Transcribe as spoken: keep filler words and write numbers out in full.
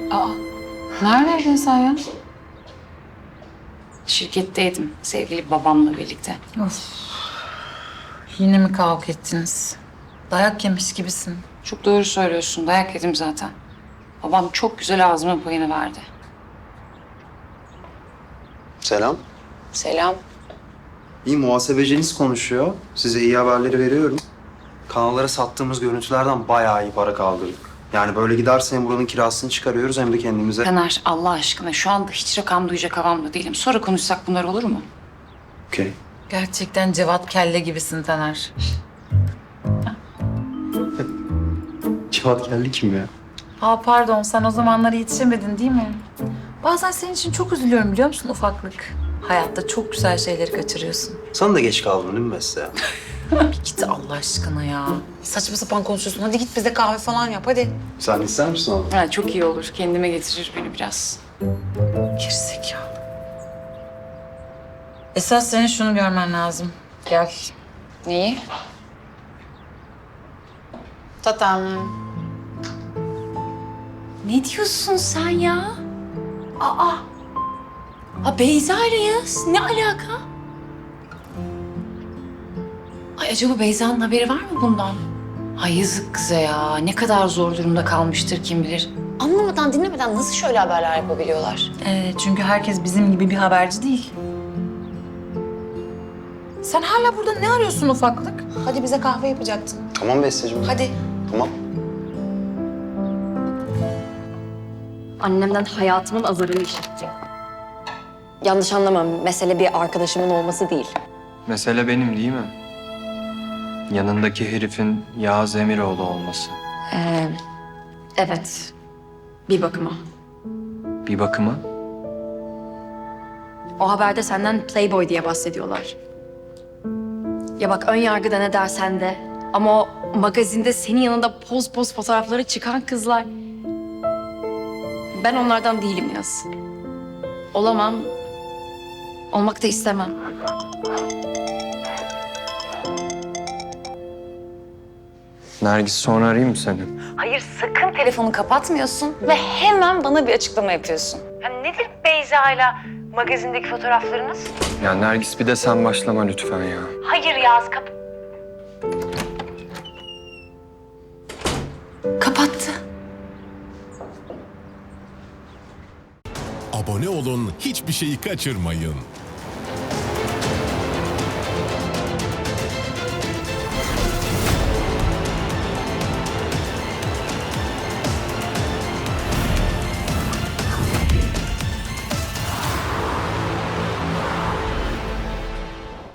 Aa, neredeydin sen ya? Şirketteydim sevgili babamla birlikte. Of. Yine mi kavga ettiniz? Dayak yemiş gibisin. Çok doğru söylüyorsun. Dayak yedim zaten. Babam çok güzel ağzıma payını verdi. Selam. Selam. İyi, muhasebeciniz konuşuyor. Size iyi haberleri veriyorum. Kanallara sattığımız görüntülerden bayağı iyi para kaldırdık. Yani böyle giderse hem buranın kirasını çıkarıyoruz hem de kendimize... Taner Allah aşkına şu anda hiç rakam duyacak havamda değilim. Sonra konuşsak bunlar olur mu? Okey. Gerçekten Cevat Kelle gibisin Taner. Civat geldi kim ya? Aa pardon, sen o zamanlara yetişemedin değil mi? Bazen senin için çok üzülüyorum biliyor musun ufaklık? Hayatta çok güzel şeyleri kaçırıyorsun. Sana da geç kaldın değil mi Beste ya? Bir git Allah aşkına ya. Saçma sapan konuşuyorsun. Hadi git bize kahve falan yap hadi. Sen ister misin abi? Ha, çok iyi olur. Kendime getirir beni biraz. Gerizekalı. Esas senin şunu görmen lazım. Gel. Neyi? Tatam. Ne diyorsun sen ya? Aa. Ha Beyza ile Yağız. Ne alaka? Ay acaba Beyza'nın haberi var mı bundan? Ay yazık kıza ya. Ne kadar zor durumda kalmıştır kim bilir. Anlamadan dinlemeden nasıl şöyle haberler yapabiliyorlar? Ee, çünkü herkes bizim gibi bir haberci değil. Sen hala burada ne arıyorsun ufaklık? Hadi bize kahve yapacaktın. Tamam Besteciğim. Hadi. Tamam. Annemden hayatımın azarını işittim. Yanlış anlama, mesele bir arkadaşımın olması değil. Mesele benim değil mi? Yanındaki herifin Yağız Emiroğlu olması. Ee, evet, bir bakıma. Bir bakıma O haberde senden Playboy diye bahsediyorlar. Ya bak ön yargıda ne dersen de ama o magazinde senin yanında poz poz fotoğrafları çıkan kızlar... Ben onlardan değilim Yaz. Olamam. Olmak da istemem. Nergis, sonra arayayım mı seni? Hayır sakın telefonu kapatmıyorsun ve hemen bana bir açıklama yapıyorsun. Ya nedir Beyza'yla magazindeki fotoğraflarınız? Ya Nergis, bir de sen başlama lütfen ya. Hayır Yağız kap... Kapattı. Abone olun, hiçbir şeyi kaçırmayın.